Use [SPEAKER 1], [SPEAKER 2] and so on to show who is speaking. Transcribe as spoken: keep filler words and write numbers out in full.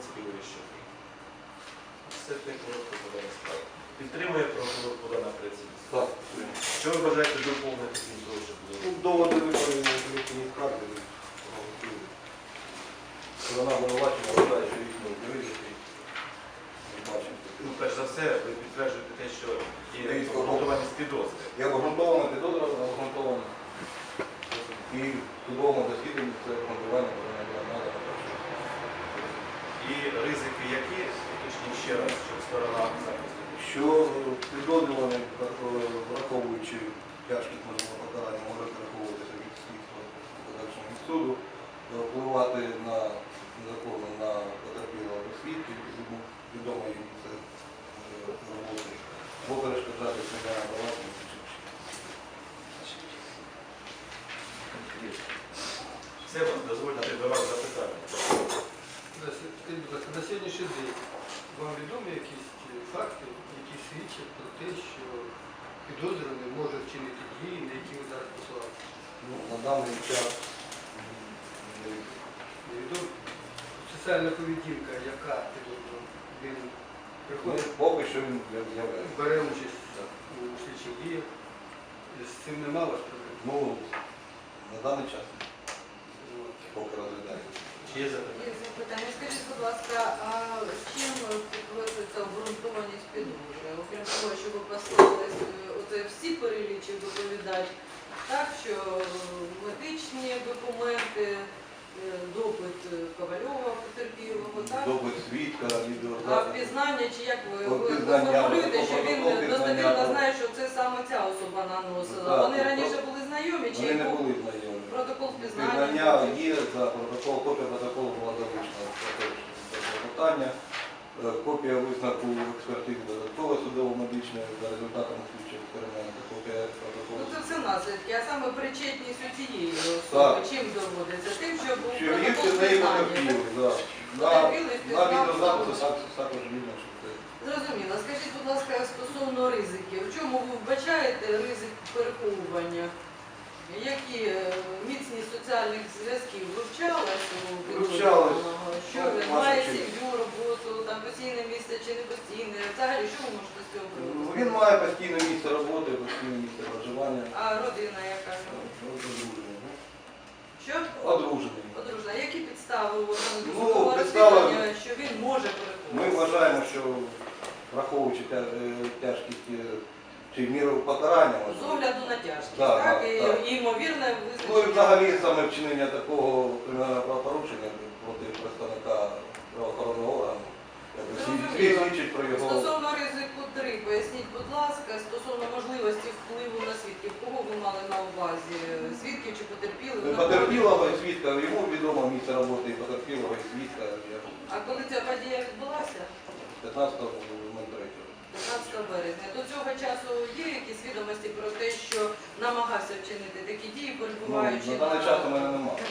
[SPEAKER 1] принципі, вирішив. Все те коротко подана справа. Підтримує прокурор подана працівність?
[SPEAKER 2] Так.
[SPEAKER 1] Що ви бажаєте доповнити крім того, що було?
[SPEAKER 2] Ну, доводи виконані на комісійній скарги. Сторона обвинувачення вважає, що їх не вирішити.
[SPEAKER 1] Ну, перш за все, ви підтверджуєте те, що є обґрунтованість підозри.
[SPEAKER 2] Як обґрунтована підозра, обґрунтована. І в судовому засіданні це обґрунтування повинно надано.
[SPEAKER 1] І ризики які, уточніть ще раз, щоб сторона захисту?
[SPEAKER 2] Що підозрюваний, враховуючи тяжкість можливого покарання, може переховуватися від слідства подальшого від суду, впливати на незаконно на потерпілого свідків, відомо їм це роботи, або перешкоджати кримінальному провадженню.
[SPEAKER 1] Все, вас дозвольте до вас запитання.
[SPEAKER 3] Скажіть, будь ласка, на сьогоднішній день вам відомі якісь факти, які свідчать про те, що підозрюваний може вчинити дії, на які ви зараз посилаєте?
[SPEAKER 2] Ну, на даний час
[SPEAKER 3] Невідомо. Соціальна поведінка, яка підозрювана? Він
[SPEAKER 2] ну,
[SPEAKER 3] приходить,
[SPEAKER 2] поки що він з'являється.
[SPEAKER 3] бере участь у слідчих діях. З цим нема у вас проблем?
[SPEAKER 2] Ну, на даний час поки розглядається.
[SPEAKER 1] Чи є запитання?
[SPEAKER 4] Є запитання. Скажіть, будь ласка, а чим підтверджується обґрунтованість підозри? Окрім того, що ви послухались, оце всі перелічив доповідач, так, що медичні документи, допит Ковальова потерпілого, так?
[SPEAKER 2] Допит свідка,
[SPEAKER 4] А
[SPEAKER 2] відеозапис.
[SPEAKER 4] впізнання, чи як ви, ви
[SPEAKER 2] Впізнання,
[SPEAKER 4] формулюєте, що він
[SPEAKER 2] впізнання.
[SPEAKER 4] достовірно знає, що це саме ця особа наносила?
[SPEAKER 2] Так,
[SPEAKER 4] Вони раніше були знайомі, чи
[SPEAKER 2] Вони не
[SPEAKER 4] був
[SPEAKER 2] були знайомі.
[SPEAKER 4] протокол впізнання?
[SPEAKER 2] Впізнання є, за протокол, копія протоколу була залучена до питання. Копія висновку експертизи додатково судово-медичної за результатами слідчого експерименту. Копія протоколу.
[SPEAKER 4] Ну це все наслідки, а саме причетність у цієї
[SPEAKER 2] Так.
[SPEAKER 4] особи чим доводиться? Тим, що був
[SPEAKER 2] Що їх
[SPEAKER 4] протокол
[SPEAKER 2] це неї
[SPEAKER 4] впізнання.
[SPEAKER 2] потерпіли, так. На,
[SPEAKER 4] Потерпілий
[SPEAKER 2] на
[SPEAKER 4] впізнав
[SPEAKER 2] відеозапису
[SPEAKER 4] особу.
[SPEAKER 2] так- також видно, що це.
[SPEAKER 4] Зрозуміло. Скажіть, будь ласка, стосовно ризиків. В чому ви вбачаєте ризик переховування? Які е, міцність соціальних зв'язків вивчалась у підозрюваного? Що
[SPEAKER 2] Ну,
[SPEAKER 4] він
[SPEAKER 2] ваша
[SPEAKER 4] має
[SPEAKER 2] честь.
[SPEAKER 4] сім'ю, роботу, там постійне місце чи не постійне? Взагалі, що ви можете з цього приводу?
[SPEAKER 2] Ну, Він має постійне місце роботи, постійне місце проживання.
[SPEAKER 4] А родина яка?
[SPEAKER 2] Ну, Одружений. ну.
[SPEAKER 4] Що?
[SPEAKER 2] Одружений.
[SPEAKER 4] Одружена. Які підстави у органу
[SPEAKER 2] Ну,
[SPEAKER 4] досудового
[SPEAKER 2] підстава-
[SPEAKER 4] розслідування, що він може переховувати?
[SPEAKER 2] Ми вважаємо, що враховуючи тя- е, тяжкість е, чи міру покарання,
[SPEAKER 4] З
[SPEAKER 2] можливо.
[SPEAKER 4] огляду на тяжкість,
[SPEAKER 2] Так,
[SPEAKER 4] так?
[SPEAKER 2] так,
[SPEAKER 4] І,
[SPEAKER 2] так.
[SPEAKER 4] і ймовірне
[SPEAKER 2] Ну і
[SPEAKER 4] визначення.
[SPEAKER 2] взагалі саме вчинення такого кримінального правопорушення проти представника правоохоронного органу. якби свід-
[SPEAKER 4] Зрозуміло.
[SPEAKER 2] Свідчить про його.
[SPEAKER 4] Стосовно ризику три, поясніть, будь ласка, стосовно можливості впливу на свідків, кого ви мали на увазі? Свідків чи потерпілих?
[SPEAKER 2] Потерпілого і свідка, йому відомо місце роботи і потерпілого і свідка.
[SPEAKER 4] А коли ця подія відбулася?
[SPEAKER 2] п'ятнадцятого третього.
[SPEAKER 4] п'ятнадцятого березня. До цього часу є якісь відомості про те, що намагався вчинити такі дії,
[SPEAKER 2] Ну,
[SPEAKER 4] перебуваючи
[SPEAKER 2] на даний час у мене немає.